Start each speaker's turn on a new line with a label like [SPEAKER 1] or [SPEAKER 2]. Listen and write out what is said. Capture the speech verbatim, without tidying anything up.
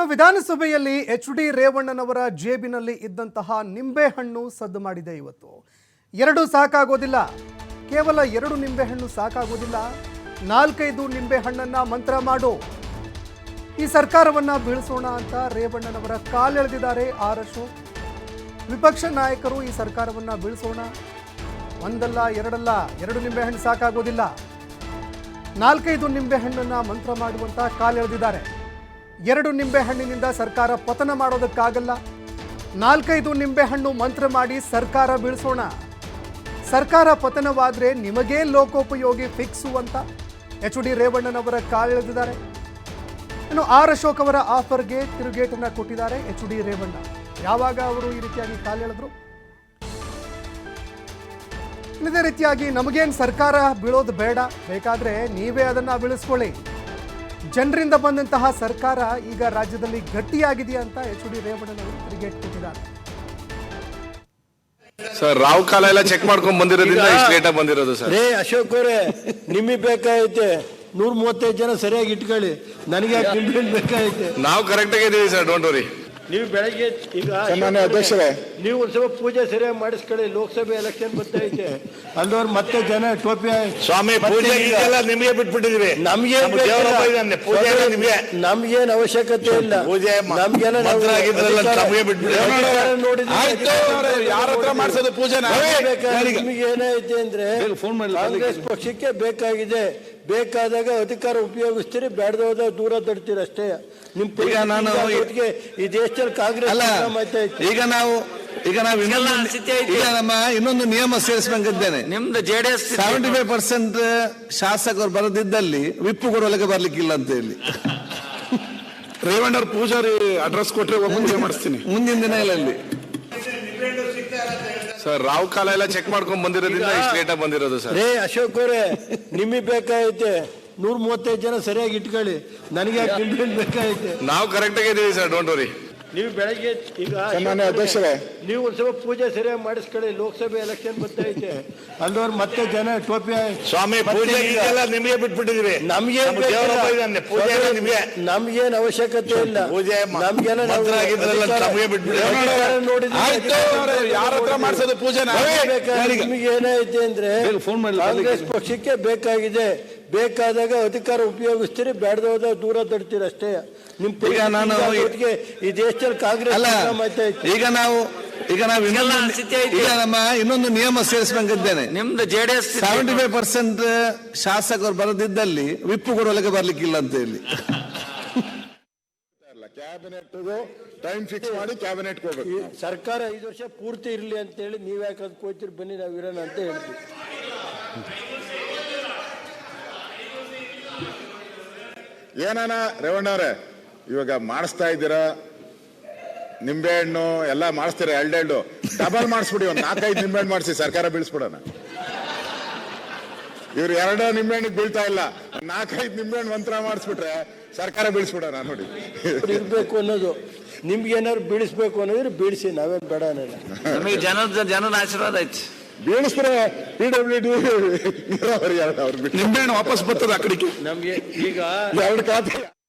[SPEAKER 1] ಇನ್ನು ವಿಧಾನಸಭೆಯಲ್ಲಿ H D ರೇವಣ್ಣನವರ ಜೇಬಿನಲ್ಲಿ ಇದ್ದಂತಹ ನಿಂಬೆಹಣ್ಣು ಸದ್ದು ಮಾಡಿದೆ. ಇವತ್ತು ಎರಡು ಸಾಕಾಗೋದಿಲ್ಲ, ಕೇವಲ ಎರಡು ನಿಂಬೆಹಣ್ಣು ಸಾಕಾಗೋದಿಲ್ಲ, ನಾಲ್ಕೈದು ನಿಂಬೆಹಣ್ಣನ್ನ ಮಂತ್ರ ಮಾಡು, ಈ ಸರ್ಕಾರವನ್ನ ಬೀಳಿಸೋಣ ಅಂತ ರೇವಣ್ಣನವರ ಕಾಲೆಳೆದಿದ್ದಾರೆ ಆರ್ ಅಶೋಕ್. ವಿಪಕ್ಷ ನಾಯಕರು ಈ ಸರ್ಕಾರವನ್ನ ಬೀಳಿಸೋಣ, ಒಂದಲ್ಲ ಎರಡಲ್ಲ, ಎರಡು ನಿಂಬೆಹಣ್ಣು ಸಾಕಾಗೋದಿಲ್ಲ, ನಾಲ್ಕೈದು ನಿಂಬೆಹಣ್ಣನ್ನ ಮಂತ್ರ ಮಾಡುವಂತ ಕಾಲೆಳೆದಿದ್ದಾರೆ. ಎರಡು ನಿಂಬೆಹಣ್ಣಿನಿಂದ ಸರ್ಕಾರ ಪತನ ಮಾಡೋದಕ್ಕಾಗಲ್ಲ, ನಾಲ್ಕೈದು ನಿಂಬೆಹಣ್ಣು ಮಂತ್ರ ಮಾಡಿ ಸರ್ಕಾರ ಬೀಳಿಸೋಣ, ಸರ್ಕಾರ ಪತನವಾದರೆ ನಿಮಗೇ ಲೋಕೋಪಯೋಗಿ ಫಿಕ್ಸು ಅಂತ ಎಚ್ ಡಿ ರೇವಣ್ಣನವರ ಕಾಲೆಳೆದಿದ್ದಾರೆ. ಇನ್ನು ಆರ್ ಅಶೋಕ್ ಅವರ ಆಫರ್ಗೆ ತಿರುಗೇಟನ್ನ ಕೊಟ್ಟಿದ್ದಾರೆ ಎಚ್ ಡಿ ರೇವಣ್ಣ. ಯಾವಾಗ ಅವರು ಈ ರೀತಿಯಾಗಿ ಕಾಲೆಳೆದ್ರು, ಇದೇ ರೀತಿಯಾಗಿ ನಮಗೇನು ಸರ್ಕಾರ ಬೀಳೋದು ಬೇಡ, ಬೇಕಾದ್ರೆ ನೀವೇ ಅದನ್ನ ಬೀಳಿಸ್ಕೊಳ್ಳಿ, ಜನರಿಂದ ಬಂದಂತಹ ಸರ್ಕಾರ ಈಗ ರಾಜ್ಯದಲ್ಲಿ ಗಟ್ಟಿಯಾಗಿದೆಯಾ ಅಂತ ಎಚ್ ಡಿ ರೇವಣ್ಣನವರು ತಿರುಗೇಟ್ ಕೊಟ್ಟಿದ್ದಾರೆ.
[SPEAKER 2] ಸರ್ ರಾವ್ ಕಾಲ ಎಲ್ಲ ಚೆಕ್ ಮಾಡ್ಕೊಂಡ್ ಬಂದಿರೋದ್ರಿಂದ ಇಷ್ಟು ಲೇಟ್ ಆಗಿ ಬಂದಿರೋದು ಸರ್.
[SPEAKER 3] ರೇ ಅಶೋಕ್ ಅವರೇ, ನಿಮಗೆ ಬೇಕಾಗೈತೆ ನೂರ ಮೂವತ್ತೈದು ಜನ ಸರಿಯಾಗಿ ಇಟ್ಕೊಳ್ಳಿ, ನನಗೆ ನಿಂಬೆಹಣ್ಣು ಬೇಕಾಗೈತೆ.
[SPEAKER 2] ನಾವು ಕರೆಕ್ಟ್ ಆಗಿದ್ದೀವಿ ಸರ್, ಡೋಂಟ್ ವರಿ.
[SPEAKER 3] ನೀವು ಬೆಳಗ್ಗೆ ಈಗ
[SPEAKER 4] ಅಧ್ಯಕ್ಷರೇ,
[SPEAKER 3] ನೀವು ಒಂದು ಸ್ವಲ್ಪ ಪೂಜೆ ಸರಿಯಾಗಿ ಮಾಡಿಸ್ಕೊಳ್ಳಿ, ಲೋಕಸಭೆ ಎಲೆಕ್ಷನ್ ಬರ್ತೈತೆ, ಅಲ್ಲವ್ರು ಮತ್ತೆ ಜನ ಟೋಪಿ
[SPEAKER 2] ಸ್ವಾಮಿ ಪೂಜೆ ನಿಮಗೆ ಬಿಟ್ಬಿಟ್ಟಿದೀವಿ,
[SPEAKER 3] ನಮ್ಗೆ ನಮ್ಗೇನ್ ಅವಶ್ಯಕತೆ ಇಲ್ಲ,
[SPEAKER 2] ಪೂಜೆ
[SPEAKER 3] ನಮ್ಗೆಲ್ಲ
[SPEAKER 2] ಯಾರ ಹತ್ರ ಮಾಡಿಸೋದು ಪೂಜೆ.
[SPEAKER 3] ನಿಮ್ಗೆ ಏನೈತೆ ಅಂದ್ರೆ ಕಾಂಗ್ರೆಸ್ ಪಕ್ಷಕ್ಕೆ ಬೇಕಾಗಿದೆ, ಬೇಕಾದಾಗ ಅಧಿಕಾರ ಉಪಯೋಗಿಸ್ತೀರಿ, ಬೇಡದ ದೂರ ತಡ್ತೀರಿ ಅಷ್ಟೇ. ನಿಮ್
[SPEAKER 2] ಈಗ ನಾನು
[SPEAKER 3] ಈ ದೇಶದಲ್ಲಿ ಕಾಂಗ್ರೆಸ್
[SPEAKER 2] ಈಗ ನಾವು ಈಗ ನಾವು ಇನ್ನೊಂದು ಈಗ ನಮ್ಮ ಇನ್ನೊಂದು ನಿಯಮ ಸೇರಿಸಬೇಕಿದ್ದೇನೆ.
[SPEAKER 5] ನಿಮ್ದು ಜೆಡಿಎಸ್
[SPEAKER 2] ಸೆವೆಂಟಿ ಫೈವ್ ಪರ್ಸೆಂಟ್ ಶಾಸಕರು ಬರದಿದ್ದಲ್ಲಿ ವಿಪ್ಪು ಕೊಡುವಲ್ಲಿಗೆ ಬರ್ಲಿಕ್ಕಿಲ್ಲ ಅಂತ ಹೇಳಿ
[SPEAKER 4] ರೇವಣ್ಣವ್ರ ಪೂಜಾರಿ ಅಡ್ರೆಸ್ ಕೊಟ್ರೆ ಪೂಜೆ ಮಾಡಿಸ್ತೀನಿ
[SPEAKER 2] ಮುಂದಿನ ದಿನಗಳಲ್ಲಿ. ಸರ್ ರಾವ್ ಕಾಲ ಎಲ್ಲ ಚೆಕ್ ಮಾಡ್ಕೊಂಡ್ ಬಂದಿರೋದ್ರಿಂದ ಇಷ್ಟು ಲೇಟ್ ಆಗಿ ಬಂದಿರೋದು ಸರ್.
[SPEAKER 3] ರೇ ಅಶೋಕ್ ಅವರೇ, ನಿಮಗೆ ಬೇಕಾಗೈತೆ ನೂರ ಮೂವತ್ತೈದು ಜನ ಸರಿಯಾಗಿ ಇಟ್ಕೊಳ್ಳಿ, ನನಗೆ ನಿಂಬೆಹಣ್ಣು ಬೇಕಾಗೈತೆ.
[SPEAKER 2] ನಾವು ಕರೆಕ್ಟ್ ಆಗಿದ್ದೀವಿ ಸರ್, ಡೋಂಟ್ ವರಿ.
[SPEAKER 3] ನೀವು ಬೆಳಗ್ಗೆ ಈಗ
[SPEAKER 4] ಅಧ್ಯಕ್ಷರೇ,
[SPEAKER 3] ನೀವು ಒಂದು ಸ್ವಲ್ಪ ಪೂಜೆ ಸರಿಯಾಗಿ ಮಾಡಿಸ್ಕೊಳ್ಳಿ, ಲೋಕಸಭೆ ಎಲೆಕ್ಷನ್ ಬರ್ತೈತೆ, ಅಲ್ಲವ್ರು ಮತ್ತೆ ಜನ ಟೋಪಿ
[SPEAKER 2] ಸ್ವಾಮಿ ಪೂಜೆ ನಿಮಗೆ ಬಿಟ್ಬಿಟ್ಟಿದೀವಿ,
[SPEAKER 3] ನಮ್ಗೆ ನಮ್ಗೇನ್ ಅವಶ್ಯಕತೆ ಇಲ್ಲ,
[SPEAKER 2] ಪೂಜೆ
[SPEAKER 3] ನಮ್ಗೆಲ್ಲ
[SPEAKER 2] ಯಾರ ಹತ್ರ ಮಾಡಿಸೋದು ಪೂಜೆ.
[SPEAKER 3] ನಿಮ್ಗೆ ಏನೈತೆ ಅಂದ್ರೆ ಕಾಂಗ್ರೆಸ್ ಪಕ್ಷಕ್ಕೆ ಬೇಕಾಗಿದೆ, ಬೇಕಾದಾಗ ಅಧಿಕಾರ ಉಪಯೋಗಿಸ್ತೀರಿ, ಬೇಡದ ದೂರ ತಡ್ತೀರಿ ಅಷ್ಟೇ. ನಿಮ್
[SPEAKER 2] ಈಗ ನಾನು
[SPEAKER 3] ಈ ದೇಶದಲ್ಲಿ ಕಾಂಗ್ರೆಸ್
[SPEAKER 2] ಈಗ ನಾವು ಈಗ ನಾವು ಇನ್ನೊಂದು ಈಗ ನಮ್ಮ ಇನ್ನೊಂದು ನಿಯಮ ಸೇರಿಸಬೇಕಿದ್ದೇನೆ.
[SPEAKER 5] ನಿಮ್ದು ಜೆಡಿಎಸ್
[SPEAKER 2] ಸೆವೆಂಟಿ ಫೈವ್ ಪರ್ಸೆಂಟ್ ಶಾಸಕರು ಬರದಿದ್ದಲ್ಲಿ ವಿಪ್ಪು ಕೊಡುವಲ್ಲಿಗೆ ಬರ್ಲಿಕ್ಕಿಲ್ಲ ಅಂತ ಹೇಳಿ
[SPEAKER 4] ಕ್ಯಾಬಿನೆಟ್ ಟೈಮ್ ಫಿಕ್ಸ್ ಮಾಡಿ ಕ್ಯಾಬಿನೆಟ್ ಹೋಗ್ಬೇಕು.
[SPEAKER 3] ಸರ್ಕಾರ ಐದು ವರ್ಷ ಪೂರ್ತಿ ಇರಲಿ ಅಂತ ಹೇಳಿ ನೀವ್ ಯಾಕೆ ಅದಕ್ಕೆ ಹೋಗ್ತೀರಿ, ಬನ್ನಿ ನಾವು ಇರೋಣ ಅಂತ ಹೇಳ್ತೀವಿ.
[SPEAKER 4] ಏನಾನ ರೇವಣ್ಣವ್ರೆ, ಇವಾಗ ಮಾಡಿಸ್ತಾ ಇದ್ದೀರಾ ನಿಂಬೆಹಣ್ಣು ಎಲ್ಲ ಮಾಡಿಸ್ತೀರ, ಎರಡೆರಡು ಡಬಲ್ ಮಾಡಿಸ್ಬಿಡಿ, ಒಂದು ನಾಲ್ಕೈದು ನಿಂಬೆಹಣ್ಣು ಮಾಡಿಸಿ ಸರ್ಕಾರ ಬೀಳಿಸ್ಬಿಡೋಣ. ಇವ್ರು ಎರಡು ನಿಂಬೆಹಣ್ಣಿಗೆ ಬೀಳ್ತಾ ಇಲ್ಲ, ನಾಲ್ಕೈದು ನಿಂಬೆಹಣ್ಣು ಮಂತ್ರ ಮಾಡಿಸ್ಬಿಟ್ರೆ ಸರ್ಕಾರ ಬೀಳಿಸ್ಬಿಡೋಣ. ನೋಡಿ
[SPEAKER 3] ಇರ್ಬೇಕು ಅನ್ನೋದು, ನಿಮ್ಗೆ ಏನಾದ್ರು ಬೀಳಿಸ್ಬೇಕು ಅನ್ನೋದ್ರೆ ಬೀಳಿಸಿ, ನಾವೇನ್ ಬೇಡ ಅನ್ನಲ್ಲ.
[SPEAKER 5] ನಮಗೆ ಜನದ ಜನದ ಆಶೀರ್ವಾದ ಐತಿ,
[SPEAKER 4] ಬೀಳಿಸ್ತಾರೆ. ಪಿ ಡಬ್ಲ್ಯೂ ಡಿ ನೀರಾವರಿ ಅವ್ರು ನಿಂಬೆಹಣ್ಣು ವಾಪಸ್ ಬರ್ತದೆ ಆ ಕಡೆಗೆ,
[SPEAKER 3] ನಮ್ಗೆ ಈಗ
[SPEAKER 4] ಎರಡು ಖಾತೆ